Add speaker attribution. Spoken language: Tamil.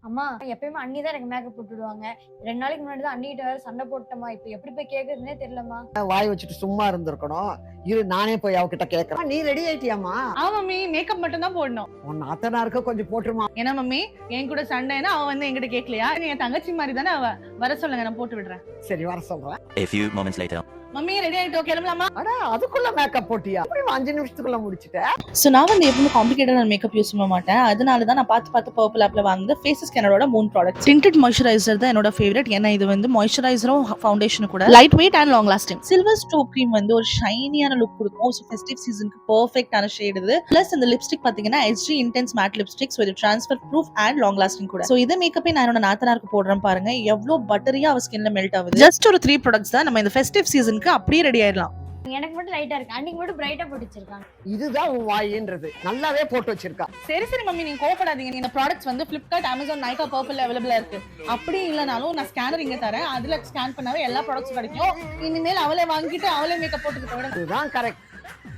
Speaker 1: அம்மா எப்பயுமே அண்ணி தான் எனக்கு மேக்கப் போட்டு விடுவாங்க. 2 நாளைக்கு முன்னாடி தான் அண்ணிகிட்ட வேற சண்டை போட்டுட்டேம்மா. இப்ப எப்படி போய் கேட்கறதுன்னே தெரியலம்மா.
Speaker 2: வாய் வச்சுட்டு சும்மா இருந்திருக்கணும். இரு நானே போய் அவகிட்ட கேட்கறேன். நீ ரெடி ஆயிட்டியாமா?
Speaker 3: மம்மி மேக்கப் மட்டும் தான் போடணும்.
Speaker 2: உன் அத்தனாருக்கு கொஞ்சம் போட்டுருமா.
Speaker 3: ஏன்னா மம்மி என் கூட சண்டைனா அவ வந்து என்கிட்ட கேட்கலையா? என் தங்கச்சி மாதிரி தானே அவ. வர சொல்லுங்க, நான் போட்டு விடுறேன்.
Speaker 2: சரி வர சொல்றேன்.
Speaker 4: A few moments later.
Speaker 3: Mummy ready ஆயிட்டோ, கிளம்பலாமா?
Speaker 2: அட அதுக்குள்ள மேக்கப் போட்டியா? அப்படி 5 நிமிஷத்துக்குள்ள முடிச்சிட்ட.
Speaker 5: ஸோ நான் வந்து எப்பவுமே காம்ப்ளிகேட்டட் மேக்கப் யூஸ் பண்ண மாட்டேன். அதனால தான் நான் பார்த்து பர்பிள் ஆப்ல வாங்குது ஃபேஸ் ஸ்கேனரோட 3 ப்ராடக்ட். டிண்டட் மாய்ஸ்சரைசர் தான் என்னோட ஃபேவரட். ஏன்னா இது வந்து மாய்ஸ்சரைசரும் ஃபவுண்டேஷன் கூட lightweight and long lasting. Silver stroke cream வந்து ஒரு ஷைனியான லுக் கொடுக்கும். ஸோ ஃபெஸ்டிவ் சீசனுக்கு பர்ஃபெக்டான ஷேட் இது. பிளஸ் இந்த லிப்ஸ்டிக் பாத்தீங்கன்னா SG intense matte lipstick. So இது transfer proof and long lasting கூட. ஸோ இதை மேக்கப்பே நான் என்னோட நாத்தனாருக்கு போடுறேன் பாருங்க, எவ்வளவு பட்டரியா அவ ஸ்கின்ல மெல்ட் ஆகுது. ஜஸ்ட் ஒரு 3 ப்ராடக்ட்ஸ் தான் நம்ம இந்த ஃபெஸ்டிவ் சீசனுக்கு அப்படியே ரெடி ஆயிடலாம்.
Speaker 1: எனக்கு மட்டும் லைட்டா இருக்கு. அன்னைக்கு மட்டும் பிரைட்டா போட்டு வச்சிருக்காங்க.
Speaker 2: இதுதான் உன் வாயின்றது. நல்லாவே போட்டு வச்சிருக்கா.
Speaker 3: சரி மம்மி, நீங்க கோவப்படாதீங்க. இந்த ப்ராடக்ட்ஸ் வந்து Flipkart, Amazon, Nykaa, Purple அவைலபிளா இருக்கு. அப்படி இல்லனாலும் நான் ஸ்கேனர் இங்க தரேன். அதுல ஸ்கேன் பண்ணாவே எல்லா ப்ராடக்ட்ஸும் கிடைக்கும். இனிமேல் அவளே வாங்கிட்டு அவளே மேக்கப் போட்டுக்கிட்டு விட.
Speaker 2: இதுதான் கரெக்ட்.